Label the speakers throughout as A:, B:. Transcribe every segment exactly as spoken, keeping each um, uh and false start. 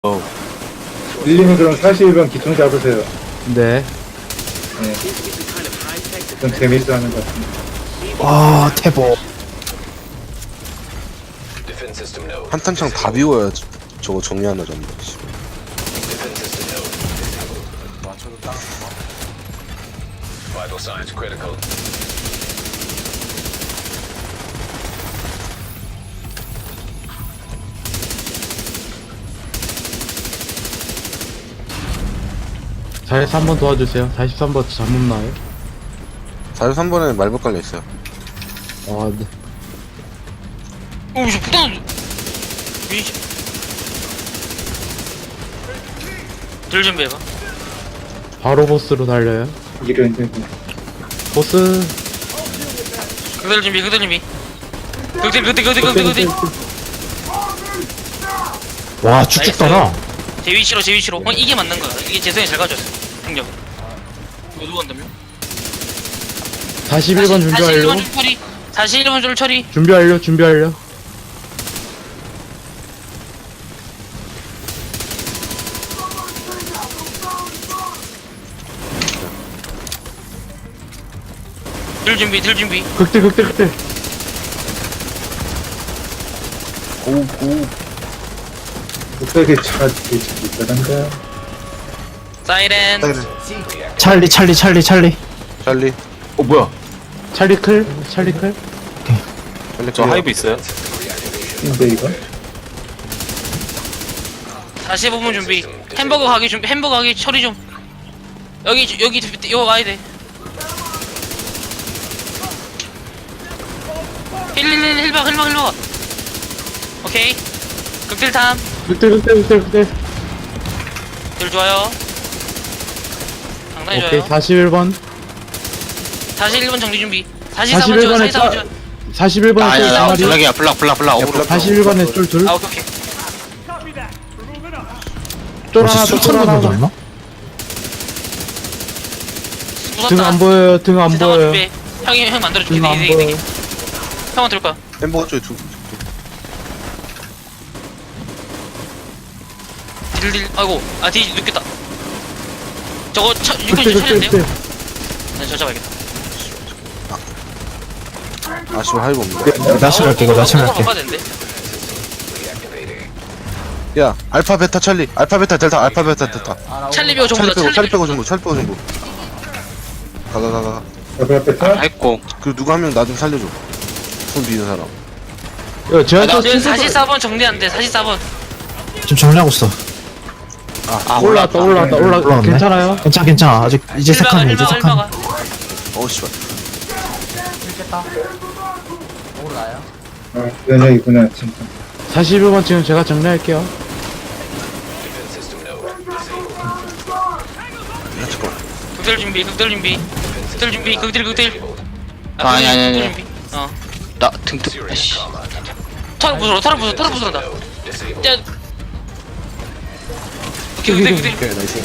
A: 어.
B: 밀리면 그럼 사십일 번 기총 잡으세요.
C: 네.
B: 네. 좀 재밌어 하는 것 같은데.
D: 아, 태보.
A: 한탄창 다 비워야 저- 저거 정리하나 전부.
C: 사십삼 번 도와주세요. 사십삼 번 잘못 나요?
A: 사십삼 번에 말벌 깔려 있어요.
C: 아, 네.
E: 오, 저 부담. 미치. 들 준비해봐.
C: 바로 보스로 달려요.
B: 이런 이제
C: 보스.
E: 그들 준비, 그들 준비. 그들, 그들, 그들, 그들, 그들.
D: 와, 쭉쭉 따라.
E: 제 위치로, 제 위치로. 어, 이게 맞는 거야. 이게 재성이 잘 가져왔어. 행정. 이거 누구 한다며?
C: 사십일 번 준비
E: 사십일 번
C: 완료.
E: 줄 처리. 사십일 번 줄 처리.
C: 준비 완료, 준비 완료.
E: 들 준비, 들 준비.
C: 극딜, 극딜, 극딜.
A: 고, 고.
B: 어떻게 차 있다던가.
E: 사이렌.
D: 찰리, 찰리, 찰리, 찰리.
A: 찰리.
F: 어 뭐야?
C: 찰리 클, 찰리 클.
A: 찰리
F: 저 하이브 있어요?
B: 근데 이거
E: 사십오 분 준비. 햄버거 가게 준비. 햄버거 가게 처리 좀. 여기, 여기, 여기 와야 돼. 힐힐힐 힐박 힐박 힐박. 오케이. 극딜 탐.
C: 극딜, 극딜, 극딜, 극딜.
E: 딜 좋아요. 상당히
C: 오케이,
E: 좋아요.
C: 사십일 번.
E: 사십일 번 정리 준비. 사십사 번
C: 사십일
E: 줘,
C: 번에
E: 사십사 번
C: 짜.
E: 줘.
C: 사십일 번에 쫄 두 마리.
F: 블락이야 블락 블락 블락 어그로.
C: 사십일 번에 쫄 둘.
E: 아, 오케이, 오케이.
C: 쫄
D: 혹시
C: 하나, 쫄
D: 수천
C: 하나.
D: 번 던졌나?
C: 등 안 보여요, 등 안
E: 세상아
C: 보여요.
E: 준비해. 형이, 형 만들어줄게.
C: 등 안
E: 되게, 되게, 되게.
C: 보여.
E: 형은 들 거야.
A: 햄버거 쪽에 두.
E: 딜, 딜. 아이고. 아, 딜 늦겠다. 저거, 차, 육군
C: 극딜,
E: 좀
C: 극딜,
E: 차려야 돼요?
C: 극딜.
E: 난 저 잡아야겠다.
A: 아쉬워 하이브 없네.
D: 나 찰할게, 이거 나
E: 어,
D: 찰할게.
E: 바꿔야 되는데?
A: 야, 알파 베타 찰리. 알파 베타 델타. 알파 베타 델타.
E: 찰리 배우
A: 찰리
E: 정보다,
A: 빼고 찰리
E: 찰리
A: 빼고
E: 배우.
A: 전부. 찰리 빼고 전부. 가가 가 가.
B: 옆에 옆에 차?
F: 했고.
A: 그리고 누가 한 명 나 좀 살려줘. 손 비는 사람.
C: 이거 제가 저
E: 지금 사십사 번 정리 안 돼, 사십사 번.
D: 지금 정리하고 있어.
F: 아
C: 올라왔다, 올라왔다, 올라.
D: 올라왔네.
C: 괜찮아요?
D: 괜찮아, 괜찮아. 아직 이제 세 칸이야, 이제 세 칸.
E: 일마가.
A: 어우 씨발.
B: 아, 연예이구나 진짜.
C: 사십일 번 지금 제가 정리할게요.
A: 잠깐.
E: 극딜 준비, 극딜 준비. 극딜 준비, 극딜, 극딜.
F: 아, 아니, 아니, 아니.
E: 극딜 준비. 어.
F: 나 등등. 아씨.
E: 털어 부숴, 털어 부숴, 털어 부숴 한다. 짜. 오케이, 극딜, 극딜.
A: 오케이 나이스.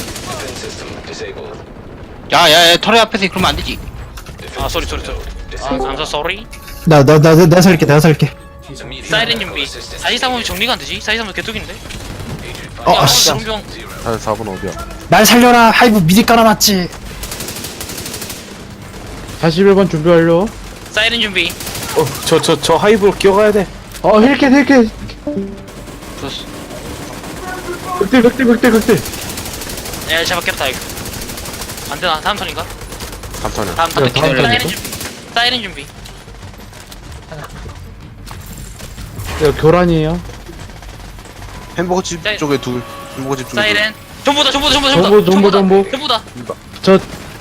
F: 야야야 털의 앞에서 그러면 안 되지.
E: 아, 쏘리, 쏘리, 쏘리. 아, 감사, 쏘리.
D: 나, 나, 나, 내가 살게, 내가 살게.
E: 사이렌 준비. 사십삼 번 정리가 안 되지? 사십삼 번 개뚝인데?
D: 어, 아, 씨.
E: 병
A: 사 번 어디야?
D: 날 살려라. 하이브 미리 깔아놨지.
C: 사십일 번 준비 완료.
E: 사이렌 준비.
F: 어저 저 저 하이브로 기어가야 돼.
C: 어, 힐켓, 힐켓.
F: 좋았어.
C: 극딜, 극딜, 극딜, 극딜.
E: 야, 잡았겠다, 이거. 안 되나? 다음 턴인가?
A: 감탄이야.
E: 다음 턴.
C: 네, 다음
E: 사이렌
C: 턴이죠.
E: 준비. 사이렌 준비.
C: 이거 교란이에요.
A: 햄버거 집
E: 사이-
A: 쪽에 둘. 햄버거 집 쪽에
E: 사이렌. 전부다, 전부다, 전부다,
C: 전부, 전부,
E: 전부다.
C: 전부.
E: 전부다.
C: 저,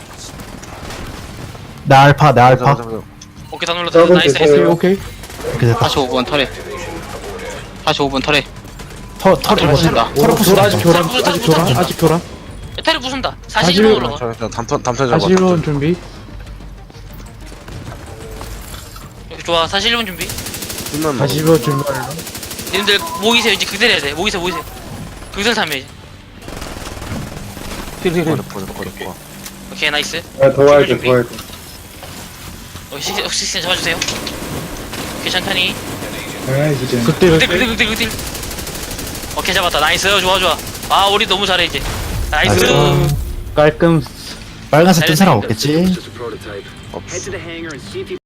D: 나 알파, 내
A: 둘.
D: 알파.
A: 잠깐, 잠깐,
E: 오케이, 다 눌렀다.
B: 저건
E: 나이스,
B: 됐어요.
E: 나이스.
C: 오케이, 오케이.
D: 이렇게 됐다.
F: 사십오 번 털에. 사십오 번 털에.
D: 터, 터, 이거
F: 부순다.
D: 털어
C: 오, 교란,
D: 부순다.
C: 아직 교란,
E: 부숴,
C: 아직
E: 부숴,
C: 교란,
E: 부숴.
C: 아직 교란.
E: 테레 부순다.
C: 사십일
E: 사십일 번
C: 번.
E: 올라가.
A: 잠깐, 담탄 담탄 잡아.
C: 사십일 번 준비.
E: 좋아, 사십일 번 준비.
A: 끝났나?
C: 사십일 번 준비 완료.
E: 님들 모이세요. 이제 극딜 해야 돼. 모이세요, 모이세요. 극딜 타면 이제.
A: 버려 버려 버려 버려.
E: 오케이, 나이스.
B: 아, 더 와야 돼, 더 와야 돼.
E: 어, 시, 어, 시스템 잡아주세요. 오케이, 천천히.
B: 아, 이제
C: 극딜,
E: 극딜,
C: 극딜.
E: 극딜, 극딜, 극딜. 오케이 잡았다. 나이스. 좋아 좋아. 아 우리 너무 잘해 이제. 나이스.
D: 나이스.
C: 깔끔.
D: 빨간색 뜬 사람 없겠지?
A: 없어.